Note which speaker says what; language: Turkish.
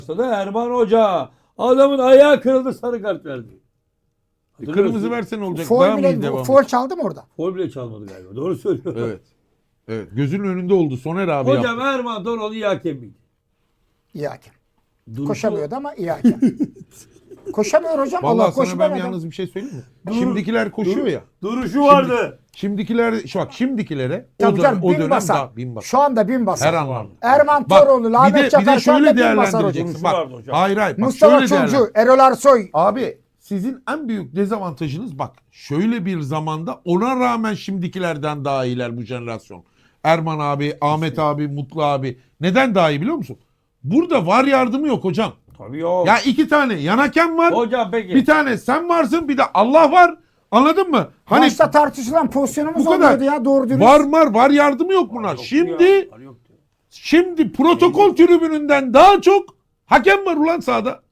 Speaker 1: da Erman Hoca. Adamın ayağı kırıldı, sarı kart verdi.
Speaker 2: Kırmızı versen olacak.
Speaker 3: Foul
Speaker 2: Daha mı
Speaker 3: bile,
Speaker 2: devam?
Speaker 3: foul çaldı mı orada?
Speaker 1: Foul bile çalmadı galiba. Doğru söylüyor.
Speaker 2: Evet. Evet. Gözünün önünde oldu. Soner abi
Speaker 1: Hocam
Speaker 2: yaptı.
Speaker 1: Erman Toroğlu iyi hakem miydi?
Speaker 3: İyi hakem.
Speaker 1: Duruşu-
Speaker 3: Koşamıyordu ama iyi hakem. Koşamıyor hocam. Allah
Speaker 2: Vallahi sana
Speaker 3: koşu
Speaker 2: ben
Speaker 3: ben adam.
Speaker 2: yalnız bir şey söyleyeyim mi? Şimdikiler koşuyor ya.
Speaker 1: Duruşu vardı.
Speaker 2: Şimdikilere
Speaker 3: Tabii canım,
Speaker 2: o
Speaker 3: bin
Speaker 2: dönem
Speaker 3: basar.
Speaker 2: daha bin basar.
Speaker 3: Şu anda bin basar.
Speaker 2: Her anlamda.
Speaker 3: Erman
Speaker 2: Bak,
Speaker 3: Toroğlu, Ahmet Çakar şu anda
Speaker 2: şöyle
Speaker 3: bin basar hocam.
Speaker 2: değerlendireceksin. Bak,
Speaker 1: Vardı hocam.
Speaker 2: hayır. Bak,
Speaker 3: Mustafa
Speaker 2: şöyle değerlendir.
Speaker 3: Çulcu, Erol Arsoy.
Speaker 2: Abi sizin en büyük dezavantajınız bak şöyle bir zamanda ona rağmen şimdikilerden daha iyiler bu jenerasyon. Erman abi, Ahmet abi, Mutlu abi. Neden daha iyi biliyor musun? Burada var yardımı yok hocam.
Speaker 1: Tabii yok.
Speaker 2: Ya iki tane yan hakem var.
Speaker 1: Hocam peki.
Speaker 2: Bir tane sen varsın bir de Allah var. Anladın mı? Hani
Speaker 3: Maçta tartışılan pozisyonumuz
Speaker 2: bu kadar.
Speaker 3: olmuyordu ya doğru dürüst.
Speaker 2: var yardımı yok bunlar.
Speaker 1: Yoktu
Speaker 2: Şimdi
Speaker 1: ya, var yoktu.
Speaker 2: şimdi protokol tribününden daha çok hakem var ulan sahada.